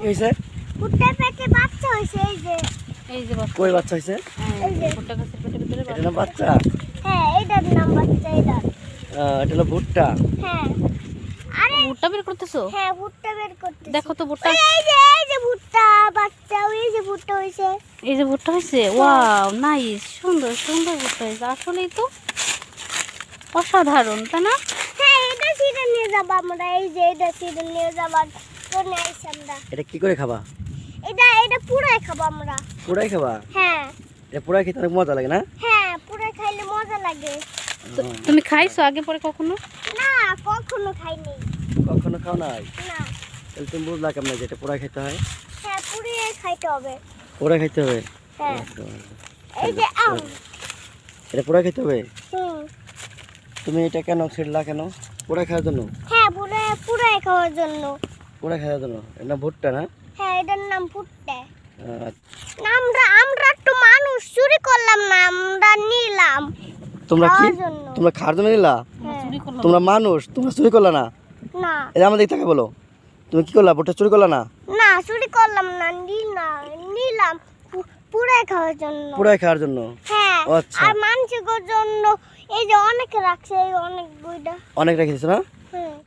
হইছে? ভুট্টা পেটে বাচ্চা হইছে এই যে কই বাচ্চা হইছে? এই যে ভুট্টা গাছের পেটে ভিতরে এটা না বাচ্চা? হ্যাঁ এটার নাম বাচ্চা এটা। এটা হলো ভুট্টা। হ্যাঁ আরে ভুট্টা বের করতেছো? হ্যাঁ ভুট্টা বের করতে দেখো তো ভুট্টা। এই যে ভুট্টা বাচ্চা ওই যে ভুট্টা হইছে। এই যে ভুট্টা হয়েছে, ওয়াও নাইস, সুন্দর সুন্দর ভুট্টা হয়েছে। আসলেই তো অসাধারণ, তাই না? হ্যাঁ এটা সিজন নিয়ে যাব আমরা, এই যে এটা সিজন নিয়ে যাবার জন্য আইছি আমরা। এটা কি করে খাবা? এটা পুরাই খাবো আমরা। পুরাই খাবা? হ্যাঁ এটা পুরাই খেতে অনেক মজা লাগে না? হ্যাঁ পুরাই খাইলে মজা লাগে। তুমি খাইছো আগে পরে কখনো? না কখনো খাইনি। কখনো খাও নাই? না তাহলে তুমি বুঝলা কেমন যে এটা পুরাই খেতে হয়? হ্যাঁ পুরাই খাইতে হবে। পুরাই খেতে হবে? হ্যাঁ এই যে আম। এটা পুরাই খেতে হবে? হুম তুমি এটা কেন ছিড়লা কেন? পুরাই খাওয়ার জন্য? হ্যাঁ পুরাই খাওয়ার জন্য। পুরাই খাওয়ার জন্য? এটা না ভুট্টা না? হ্যাঁ এটার নাম ভুট্টা। আচ্ছা। আমরা তো মানুষ চুরি করলাম না, আমরা নিলাম তোমরা কি? খাওয়ার জন্য। তোমরা খাওয়ার জন্য নিলা? হ্যাঁ। চুরি করলাম। তোমরা মানুষ, তোমরা চুরি করলা না? না এটা আমাদের তাকে বলো, তুমি কি করলা? ভুট্টা চুরি করলা না? না চুরি করলাম না, নিলাম পুরাই খাওয়ার জন্য। পুরাই খাওয়ার জন্য? হ্যাঁ ও আচ্ছা। আর মানুষের জন্য এই যে অনেক রাখছে, এই অনেক বইটা। অনেক রেখেছো না? হ্যাঁ